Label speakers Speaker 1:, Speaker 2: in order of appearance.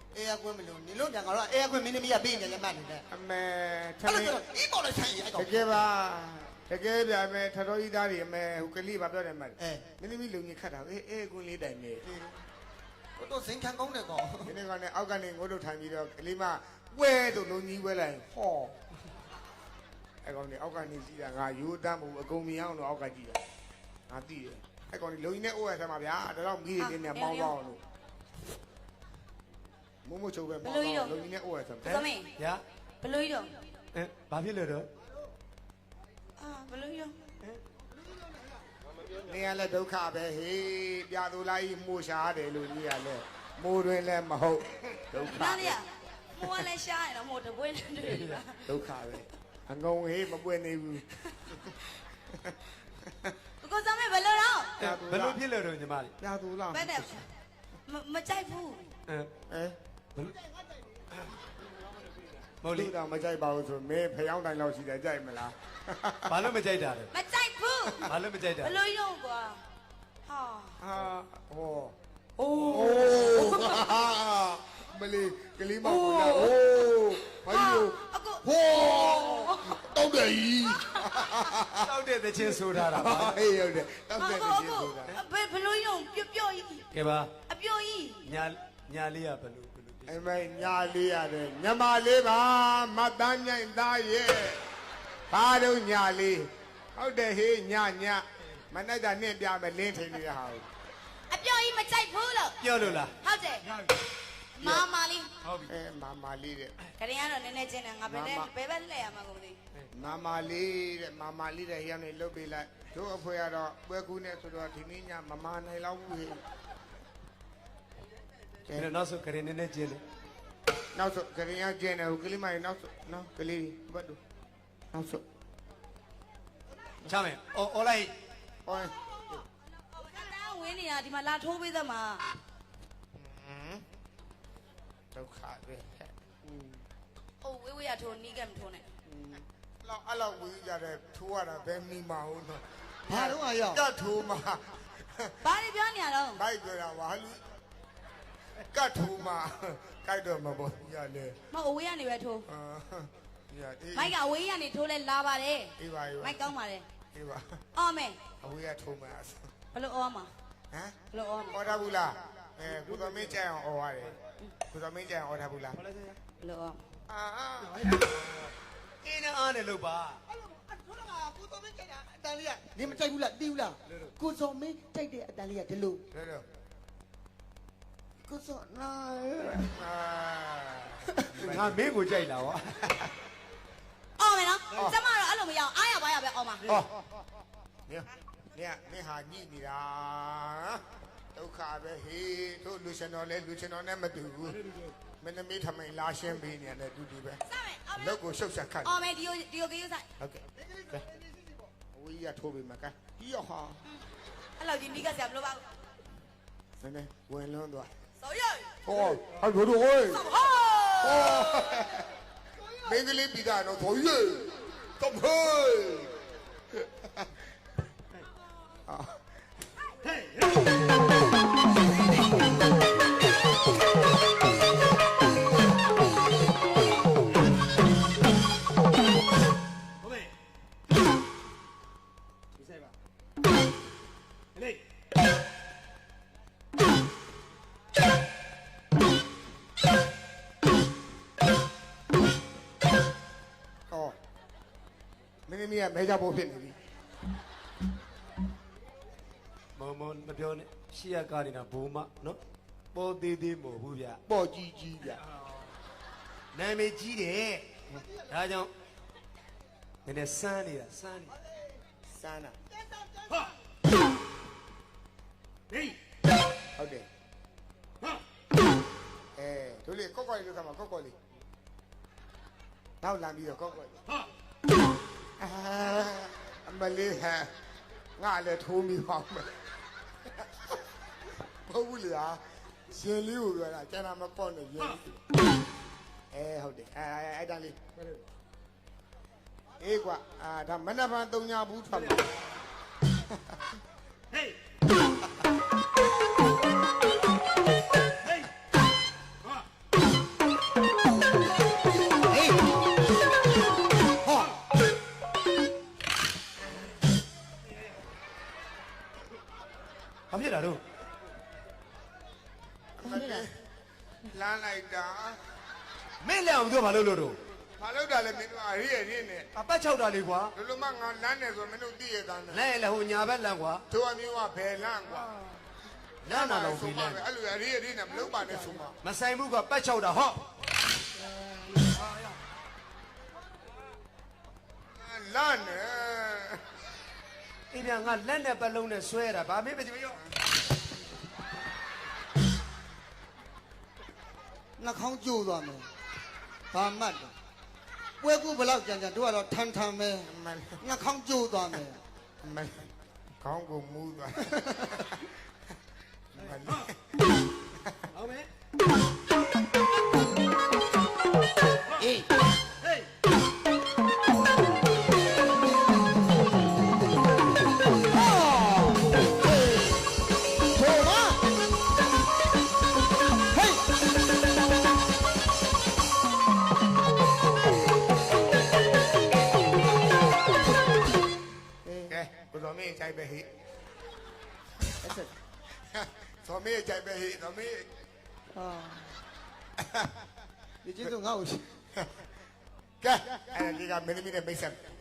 Speaker 1: အေးကွင်းမလို့နေလို့ပြန်ကတော့အေးကွင်းမင်းသမီးကပေးနေတယ်မှတ်နေတယ်
Speaker 2: အမေထမင်း
Speaker 1: အေးပေါ်လိုက်ဆိုင်အဲ့ကောင်
Speaker 2: တကယ်ပါတကယ်ပြမယ်ထတော်ကြီးသားတွေအမေဟိုကလေးဘာပြောတယ်မှတ်မင်းသမီးလုံကြီးခတ်တာအေးကွင်းလေးတိုင်နေ
Speaker 1: တို့စင်ခံကောင်းတယ်ကောင်
Speaker 2: ဒီနေ့ကလည်းအောက်ကနေငိုးတို့ထိုင်ပြီးတော့ကလေးမပွဲတို့လုံကြီးပွဲလိုက်ဟောအဲ့ကောင်ကြီးအောက်ကနေကြည့်တာငါရိုးတမ်းမှုအကုန်မြင်အောင်လို့အောက်ကကြည့်တာငါသိတယ်အဲ့ကောင်ကြီးလုံကြီးနဲ့အိုးရဆမ်းပါဗျာဒါတော့မီးတွေနဲ့ပေါင်းပေါင်းလို့မမို့ချုပ်ပဲပေါင်းပေါင်းလုံကြီးနဲ့အိုးရဆမ်း
Speaker 3: သမီး
Speaker 4: ဗျာ
Speaker 3: ဘလို့ကြီးတော့
Speaker 4: ဘာဖြစ်လို့တော့
Speaker 3: ဘလို့ကြီးတော့
Speaker 2: နေရလဲဒုက္ခပဲဟေးပြာသူလိုက်မှုရှားတယ်လို့ကြီးရလဲမိုးတွင်လည်းမဟုတ်ဒုက္ခ
Speaker 3: နားလေမိုးကလည်းရှားရတော့မိုးတပွင့်တွေ့ပြီလား
Speaker 2: ဒုက္ခပဲအငုံဟေးမပွင့်နေဘူး
Speaker 3: ကိုသမီးဘလို့တော့
Speaker 4: ဘလို့ဖြစ်လို့တော့ညီမလေး
Speaker 2: ပြာသူလား
Speaker 3: ဘယ်နဲ့မကြိုက်ဘူး
Speaker 4: မို့လေ
Speaker 2: တော့မကြိုက်ပါဘူးဆိုမင်းဖျောင်းတိုင်လောက်ရှိတယ်ကြိုက်မလား
Speaker 4: ဘာလို့မကြိုက်တာလဲ
Speaker 3: မကြိုက်ဘူး
Speaker 4: ဘာလို့မကြိုက်တာ
Speaker 3: ဘလို့ရုံကွာဟာ
Speaker 2: ဟော
Speaker 3: အိုး
Speaker 2: မလေးကလေးမဟုတ်လားအိုးဘာလို့ဟောတောက်တယ်ကြီး
Speaker 4: တောက်တဲ့သချင်းဆိုထားတာပါ
Speaker 2: ဟေးဟုတ်တယ်တောက်တဲ့သချင်းဆိုတာ
Speaker 3: ဘလို့ရုံပျော့ကြီး
Speaker 4: ကဲပါ
Speaker 3: အပျော်ကြီး
Speaker 4: ညာလေးကဘလို့
Speaker 2: အမေညာလေးရတယ်ညမလေးပါမတ်တန်းညိုင်သားရဲ့ဘာတော့ညာလေးဟုတ်တယ်ဟေးညမနဲ့တာနင့်ပြမယ်လင်းထိန်နေရဟာ
Speaker 3: အပျော်ကြီးမကြိုက်ဘူးလို့
Speaker 4: ပြောလို့လား
Speaker 3: ဟုတ်တယ်မာလေး
Speaker 4: ဟုတ်ပြီ
Speaker 2: မာလေးတဲ့
Speaker 3: ခရင်ကတော့နည်းနည်းချင်းတယ်ငါဘယ်ဘက်လှည့်ရမှာကိုမသိ
Speaker 2: မာလေးတဲ့ရောက်နေလုတ်ပေးလိုက်တို့အဖွဲကတော့ပွဲကူးနေဆိုတော့ဒီနေ့ညမမာနိုင်လောက်ဘူးဟေး
Speaker 4: ကဲနောက်ဆုံးခရင်နည်းနည်းကျင်းတယ်
Speaker 2: နောက်ဆုံးခရင်ရကျင်းတယ်ဟိုကလေးမကြီးနောက်ဆုံးနော်ကလေးဘတ်တို့နောက်ဆုံး
Speaker 4: ချမယ်အော်လိုက်
Speaker 2: အော်
Speaker 3: ဝင်းနေတာဒီမှာလာထိုးပေးသမှာ
Speaker 2: ဒုက္ခပဲ
Speaker 3: အိုးဝေးရထိုးနီးကမထိုးနဲ့
Speaker 2: လောက်အဲ့လောက်ဝေးကြတဲ့ထိုးရတာဘယ်မိမဟုတ်တော့
Speaker 1: ဘာတော့အရော
Speaker 2: ကတ်ထိုးမှာ
Speaker 3: ဘာတွေပြောနေရတော့
Speaker 2: ဘိုက်ပြောတာပါလူကတ်ထိုးမှာကြိုက်တော့မပေါ်ရလေ
Speaker 3: မအဝေးကနေပဲထိုးမိုက်ကအဝေးကနေထိုးလဲလာပါတယ်
Speaker 2: အေးပါ
Speaker 3: မိုက်ကောင်းပါတယ်
Speaker 2: အေးပါ
Speaker 3: အော်မယ်
Speaker 2: အဝေးကထိုးမှာ
Speaker 3: ဘလို့အော်မှာ
Speaker 2: ဟမ်
Speaker 3: ဘလို့အော်မှာ
Speaker 2: အော်ထားဘူးလားကိုသမင်းကြိုင်အောင်အော်ရတယ်ကိုသမင်းကြိုင်အောင်အော်ထားဘူးလား
Speaker 3: ဘလို့အော်
Speaker 4: အင်းအားနဲ့လို့ပါ
Speaker 1: ကိုသမင်းကြိုက်တာအတန်လေးကနေမကြိုက်ဘူးလားတီးဘူးလားကိုစောမင်းကြိုက်တဲ့အတန်လေးကဒီလိုကိုစောနာ
Speaker 4: ငါမင်းကိုကြိုက်လာဝါ
Speaker 3: အော်မယ်နော်ကျမတော့အဲ့လိုမရအောင်အားရပါရပဲအော်မှာ
Speaker 2: ဟောနေဟာညိနေတာဒုက္ခပဲဟေးတို့လူရှင်တော်နဲ့မတူဘူးမင်းသမီးထမိန်လာရှင်းပေးနေတယ်တူပဲလောက်ကိုရှုပ်ဆက်ခတ်
Speaker 3: အော်မယ်ဒီယိုကယူဆိုင်
Speaker 2: ဟုတ်ကဲ့ဝီးရထိုးပေးမှာကဲဒီရောဟာ
Speaker 3: အဲ့လိုဒီနီးကဆရာမလို့ပါ
Speaker 2: ဘူးနည်းဝင်လွန်းသွား
Speaker 3: ဆော်ရ
Speaker 2: ဟောဟာတို့ဟိုးမင်းကလေးပြီးတာတော့ဆော်ရတော့ဟေး
Speaker 4: ဟေး
Speaker 2: မင်းမင်းကမဲကြဖို့ဖြစ်နေပြီ
Speaker 4: မပြောနဲ့ရှေ့ရကားနေတာဘိုးမနော်ပေါ်သေးသေးမဟုတ်ဘူးဗျ
Speaker 2: ပေါ်ကြီးဗျ
Speaker 4: နာမည်ကြီးတယ်ဒါကြောင့်နည်းနည်းစမ်းနေတာ
Speaker 2: စမ်းတာ
Speaker 4: ဟာဟေး
Speaker 2: ဟုတ်တယ်ဟာတို့လေကော့လေးလို့ကမှာကော့လေးနောက်လာပြီးတော့ကော့ဟာအမလေးဟာငါလည်းထိုးမိပါမယ်မဟုတ်ဘူးလေရှင်လေးကိုပြောတာကျန်တာမပေါ့နဲ့ရင်ဟုတ်တယ်အဲ့တန်းလေးအေးကွာဒါမနက်ဖြန်3ညဘူးထွက်မှာ
Speaker 4: ဟေးဟေးဟာတော့
Speaker 2: လမ်းလိုက်တာ
Speaker 4: မင်းလည်းအောင်ပြောဘာလို့လို့တော့
Speaker 2: ဘာလို့တာလဲမင်းတို့အရေးရင်းနဲ့
Speaker 4: အပတ်6တာလေးကွာ
Speaker 2: လူလူမငါလမ်းနေဆိုမင်းတို့သိရသားနဲ့
Speaker 4: လဲလေဟိုညာဘက်လမ်းကွာ
Speaker 2: တို့အမျိုးကဘယ်လမ်းကွာ
Speaker 4: လမ်းနာတော့ပြီလဲ
Speaker 2: အဲ့လိုအရေးရင်းနဲ့မလုပ်ပါနဲ့ဆိုမှ
Speaker 4: မဆိုင်ဘူးကွာပတ်6တာဟော့
Speaker 2: လမ်းနေ
Speaker 4: အေးပြန်ငါလက်နဲ့ပတ်လုံးနဲ့ဆွဲတာဗာမင်းမကြည့်ရော
Speaker 1: နှာခေါင်းကျိုးသွားမယ်ဘာမှတ်တယ်ပွဲကူဘလောက်ကြံကြံတို့ကတော့ထန်ထန်ပဲ
Speaker 2: မန်
Speaker 1: နှာခေါင်းကျိုးသွားမယ်
Speaker 2: မန်ခေါင်းကိုမူးသွားမန်
Speaker 4: ဟုတ်မယ်
Speaker 1: အေး
Speaker 4: ဟေး
Speaker 1: ထိုးပါဟေး
Speaker 2: ကဲကိုတော်မင်းကြိုက်ပဲဟိ
Speaker 1: အဲ့ဆက်
Speaker 2: တော်မင်းကြိုက်ပဲဟိတော်မင်း
Speaker 1: အာဒီကျေးဇူးငါ့ကို
Speaker 2: ကဲအဲ့ဒီကမင်းသမီးနဲ့မိတ်ဆက်